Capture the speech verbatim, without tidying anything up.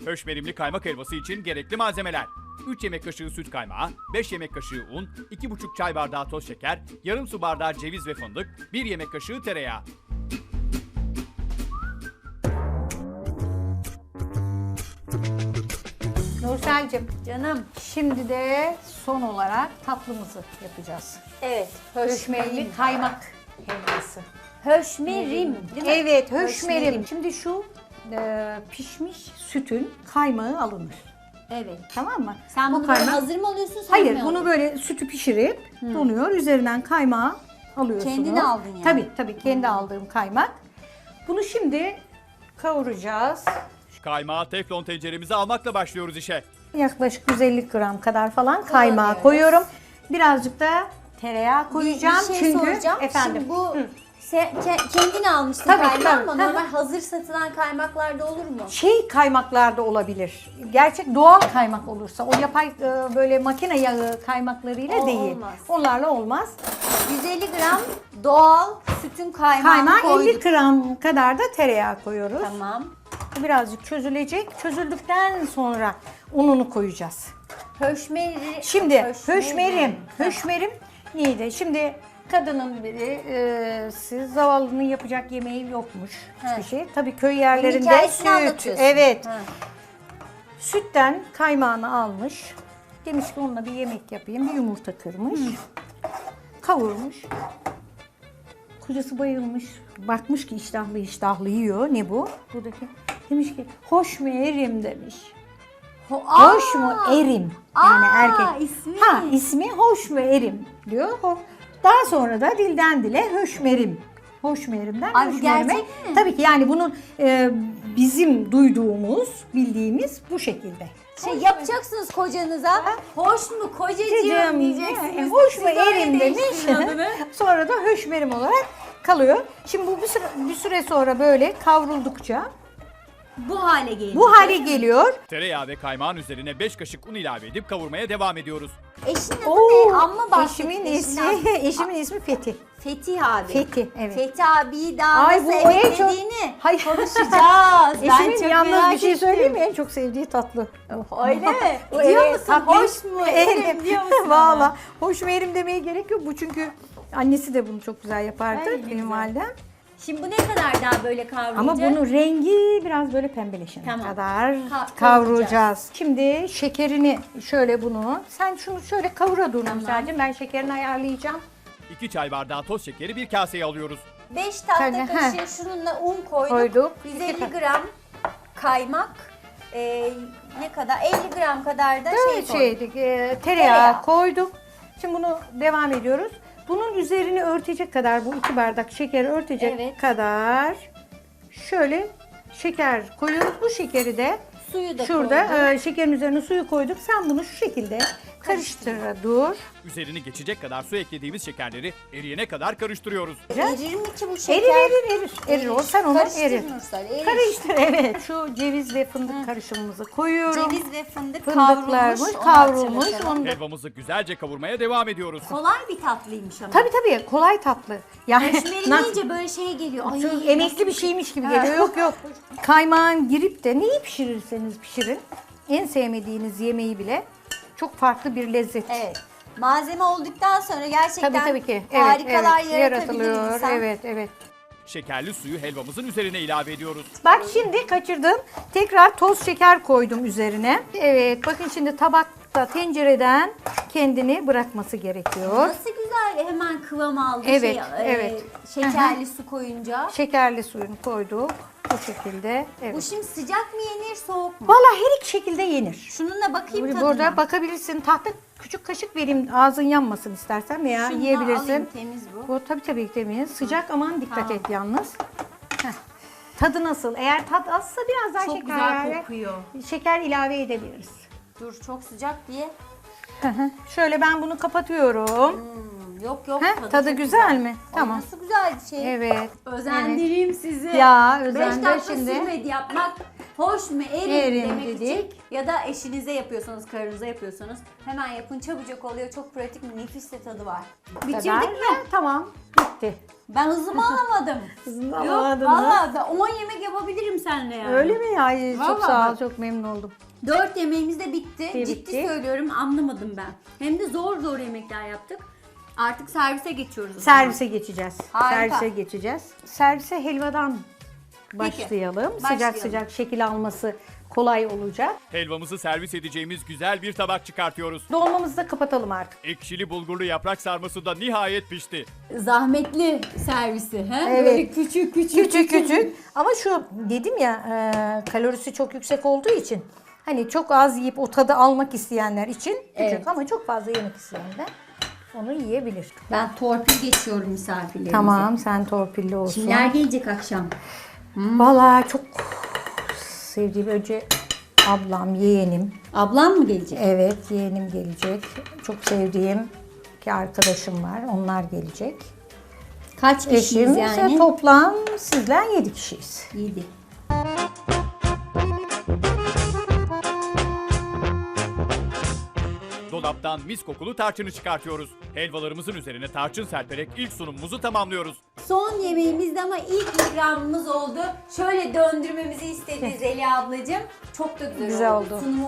Höşmerimli kaymak helvası için gerekli malzemeler: üç yemek kaşığı süt kaymağı, beş yemek kaşığı un, iki buçuk çay bardağı toz şeker, yarım su bardağı ceviz ve fındık, bir yemek kaşığı tereyağı. Nursel'cim, Canım. şimdi de son olarak tatlımızı yapacağız. Evet. Höşmerili kaymak helvası. Höşmerim. Değil mi? Evet, höşmerim. Şimdi şu e, pişmiş sütün kaymağı alınır. Evet. Tamam mı? Sen Bu bunu böyle kaymak- hazır mı alıyorsun? Sen Hayır, mi bunu alıyorsun? böyle sütü pişirip donuyor. Üzerinden kaymağı alıyorsunuz. Kendini aldın yani. Tabii tabii, kendi aldığım kaymak. Bunu şimdi kavuracağız. Kaymağı teflon tenceremize almakla başlıyoruz işe. Yaklaşık yüz elli gram kadar falan kaymağı Kullanıyoruz. koyuyorum. Birazcık da tereyağı Bir- koyacağım bir şey çünkü soracağım. efendim. Şimdi bu Hı. sen ke- kendin almışsın Tabii, kaymağı tabii. ama Hı hı. normal hazır satılan kaymaklarda olur mu? Şey kaymaklarda olabilir. Gerçek doğal kaymak olursa, o yapay e, böyle makine yağı kaymaklarıyla O değil. olmaz. Onlarla olmaz. yüz elli gram doğal sütün kaymağını Kaymağa koyduk. elli gram kadar da tereyağı koyuyoruz. Tamam. Bu birazcık çözülecek. Çözüldükten sonra ununu koyacağız. Höşmeri. Şimdi höşmerim, höşmerim neydi? Şimdi kadının biri, e, siz zavallının yapacak yemeği yokmuş hiçbir He. şey. Tabii köy Bunun yerlerinde hikayesini süt, anlatıyorsun. evet. Ha. Sütten kaymağını almış. Demiş ki onunla bir yemek yapayım. Bir yumurta kırmış. Kavurmuş. Kocası bayılmış. Bakmış ki iştahlı iştahlı yiyor. Ne bu? Buradaki. Demiş ki hoş mu erim demiş. Ho- Hoş Aa! mu erim? Yani Aa, erkek. ismi. Ha, ismi hoş mu erim diyor. Ho- Daha sonra da dilden dile höşmerim. Hoşmerimden Ay, bu höşmerime. gerçek mi? Tabii ki yani bunun e, bizim duyduğumuz, bildiğimiz bu şekilde. Şey yapacaksınız kocanıza. Hoş mu kocacığım Cicim, diyeceksiniz. e, hoş Siz mu öyle erim demiş. değiştirin adını. Sonra da höşmerim olarak kalıyor. Şimdi bu bir süre, bir süre sonra böyle kavruldukça Bu hale geliyor. bu hale geliyor. Tereyağı ve kaymağın üzerine beş kaşık un ilave edip kavurmaya devam ediyoruz. Eşin adı Oo, ne? Amma bahset. eşimin eşinden. ismi, eşimin ismi Fethi. Fetih abi. Fethi, evet. Fethi abi daha Ay, nasıl bu evet en çok- dediğini Hayır. konuşacağız. ben Eşimin çok yalnız merak bir şey ettim. söyleyeyim mi? En çok sevdiği tatlı. Öyle mi? Bu Diyor evet, musun? tatlı. Hoş mu? Erim diyor musun? Valla. Hoş mu erim demeye gerek yok. Bu çünkü annesi de bunu çok güzel yapardı. Ay, ne Benim güzel. validem. Şimdi bu ne kadar daha böyle kavrulacak? Ama bunun rengi biraz böyle pembeleşene Tamam. kadar Ka- kavrulacağız. Şimdi şekerini şöyle bunu, sen şunu şöyle kavura dur Tamam. Nursel'cim. Ben şekerini ayarlayacağım. iki çay bardağı toz şekeri bir kaseye alıyoruz. beş tatlı Tabii, kaşığı şununla un koyduk. Koyduk. yüz elli gram kaymak. e, ne kadar? elli gram kadar da şey Evet, koyduk. şeydik, e, tereyağı, Tereyağı. koyduk. Şimdi bunu devam ediyoruz. Bunun üzerini örtecek kadar, bu iki bardak şekeri örtecek Evet. kadar şöyle şeker koyuyoruz. Bu şekeri de Suyu da şurada koyduk. e, şekerin üzerine suyu koyduk. Sen bunu şu şekilde karıştır dur. Üzerini geçecek kadar su eklediğimiz şekerleri eriyene kadar karıştırıyoruz. Erir mi ki bu şeker? Erir erir erir. Erir o, sen onu Karıştır erir. Nursel, erir. Karıştır, evet. Şu ceviz ve fındık karışımımızı koyuyorum. Ceviz ve fındık Fındıklarmış, kavrulmuş. onu kavrulmuş. hatırlatalım. Onu da... Helvamızı güzelce kavurmaya devam ediyoruz. Kolay bir tatlıymış ama. Tabii tabii, kolay tatlı. Yani Höşmeri na- deyince böyle şey geliyor. Ay, Çok emekli bir şeymiş gibi geliyor. Yok yok. Kaymağın girip de neyi pişirirseniz pişirin. En sevmediğiniz yemeği bile çok farklı bir lezzet. Evet. Malzeme olduktan sonra gerçekten Tabii tabii ki. Evet, harikalar evet, yaratabilir yaratılıyor. insan. Evet, evet. Şekerli suyu helvamızın üzerine ilave ediyoruz. Bak şimdi kaçırdım. Tekrar toz şeker koydum üzerine. Evet, bakın şimdi tabakta tencereden kendini bırakması gerekiyor. Nasıl güzel hemen kıvam aldı. Evet, şey, evet. E, şekerli su koyunca. Şekerli suyunu koyduk. Bu şekilde. Bu Evet. şimdi sıcak mı yenir soğuk mu? Vallahi her iki şekilde yenir. Şununla bakayım tadına. Burada bakabilirsin. Tahta küçük kaşık vereyim, ağzın yanmasın istersen veya Şundan yiyebilirsin. alayım, temiz bu. Bu tabii tabii temiz. Sıcak, aman dikkat Tamam. et yalnız. Heh. Tadı nasıl? Eğer tat azsa biraz daha Çok şeker güzel ilave, kokuyor. şeker ilave edebiliriz. Dur çok sıcak diye. Hı hı. Şöyle ben bunu kapatıyorum. Hmm, yok yok Heh, tadı, tadı çok güzel mi? Ay, Tamam. Nasıl güzel bir şey. Evet. Özendireyim sizi. Ya, Beş özendir dakika şimdi. sürmedi yapmak. Hoş mu erin, Erin demek dedik. için. Ya da eşinize yapıyorsanız, karınıza yapıyorsanız hemen yapın, çabucak oluyor. Çok pratik, nefis de tadı var. Bitirdik Kadar. mi? Ha, tamam. Bitti. bitti. Ben hızımı alamadım. Hızını Yok alamadın mı? valla ben on yemek yapabilirim seninle yani. Öyle mi ya? Ay, çok Vallahi sağ ol, bak. çok memnun oldum. Dört yemeğimiz de bitti. Bitti. Ciddi söylüyorum anlamadım ben. Hem de zor zor yemekler yaptık. Artık servise geçiyoruz. o zaman. Servise geçeceğiz. Harika. Servise geçeceğiz. Servise helvadan başlayalım. Sıcak başlayalım. sıcak şekil alması kolay olacak. Helvamızı servis edeceğimiz güzel bir tabak çıkartıyoruz. Dolmamızı da kapatalım artık. Ekşili bulgurlu yaprak sarması da nihayet pişti. Zahmetli servisi. He? Evet. Böyle küçük küçük. Küçük küçük. Ama şu dedim ya e, kalorisi çok yüksek olduğu için hani çok az yiyip o tadı almak isteyenler için küçük Evet. ama çok fazla yemek isteyenler onu yiyebilir. Ben torpil geçiyorum misafirlerimize. Tamam, sen torpilli olsun. Kimler gelecek akşam? Vallahi çok sevdiğim önce ablam, yeğenim. Ablam mı gelecek? Evet, yeğenim gelecek. Çok sevdiğim iki arkadaşım var. Onlar gelecek. Kaç kişiyiz Eşim yani? ise toplam sizden yedi kişiyiz. Yedi. Dolaptan mis kokulu tarçını çıkartıyoruz. Helvalarımızın üzerine tarçın serperek ilk sunumumuzu tamamlıyoruz. Son yemeğimizde ama ilk ikramımız oldu. Şöyle döndürmemizi istedi Zeliha ablacığım. Çok da güzel, Güzel oldu. oldu. Sunumu